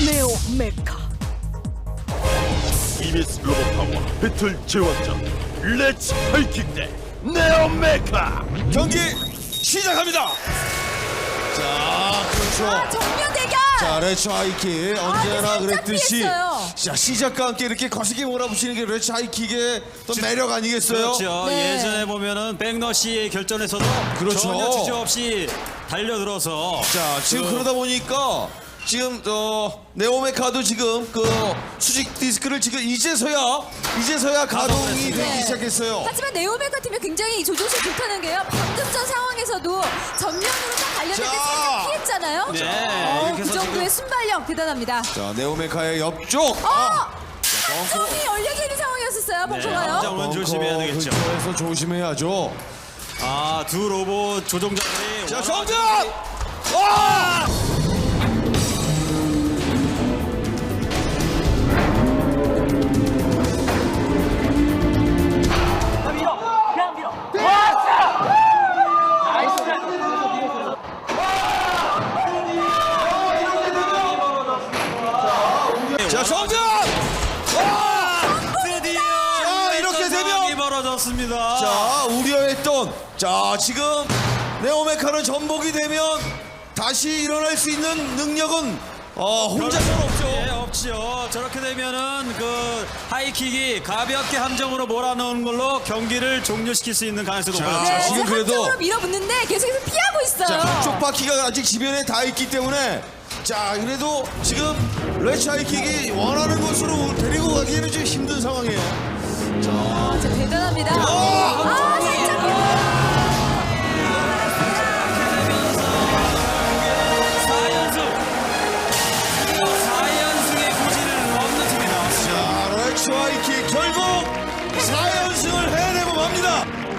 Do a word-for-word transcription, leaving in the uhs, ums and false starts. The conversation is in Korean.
네오 메카. 이비에스 로봇 파워 배틀 제왕전 렛츠 하이킥 대 네오 메카. 경기 시작합니다. 자, 그렇죠. 아, 정면 대결. 자, 레츠 하이킥 언제나 살짝 그랬듯이 피했어요. 자, 시작과 함께 이렇게 거세게 몰아붙이는 게 레츠 하이킥의 또 매력 아니겠어요? 그렇죠. 네. 예전에 보면은 백너시의 결전에서도 그렇죠. 전혀 주저없이 달려들어서 자, 지금 그- 그러다 보니까 지금 어 네오메카도 지금 그 수직 디스크를 지금 이제서야 이제서야 가동이 되기 네. 시작했어요. 하지만 네오메카 팀이 굉장히 이 조종실 좋다는 게요. 방금 전 상황에서도 전면으로 딱 달렸는데 자. 살짝 피했잖아요. 네, 어, 이렇게 그 해서 정도의 지금- 순발력 대단합니다. 자, 네오메카의 옆쪽. 어! 점이 열려져 있는 상황이었었어요. 벙커가요. 함정은 조심해야 되겠죠. 근처에서 조심해야죠. 아, 두 로봇 조종자들이 자, 워낙- 정전! 와! 자, 정전! 와! 드디어 자, 이렇게 되면- 상황이 벌어졌습니다. 자, 우려했던 자, 지금 네오메카는 전복이 되면 다시 일어날 수 있는 능력은 어, 혼자서는 없죠. 예, 없죠. 저렇게 되면은 그 하이킥이 가볍게 함정으로 몰아넣는 걸로 경기를 종료시킬 수 있는 가능성이 자, 높아졌죠. 네, 지금 그래도- 한쪽으로 밀어붙는데 계속해서 피하고 있어요. 자, 한쪽 바퀴가 아직 지변에 닿아 있기 때문에 자, 그래도 지금 레츠 하이킥이 원하는 곳으로 데리고 가기에는 좀 힘든 상황이에요. 아, 진짜 대단합니다. 어! 아, 살짝. 사 연승. 사 연승의 고지를 얻는 팀이 나왔습니다. 자, 레츠 하이킥 결국 사 연승을 해내고 맙니다.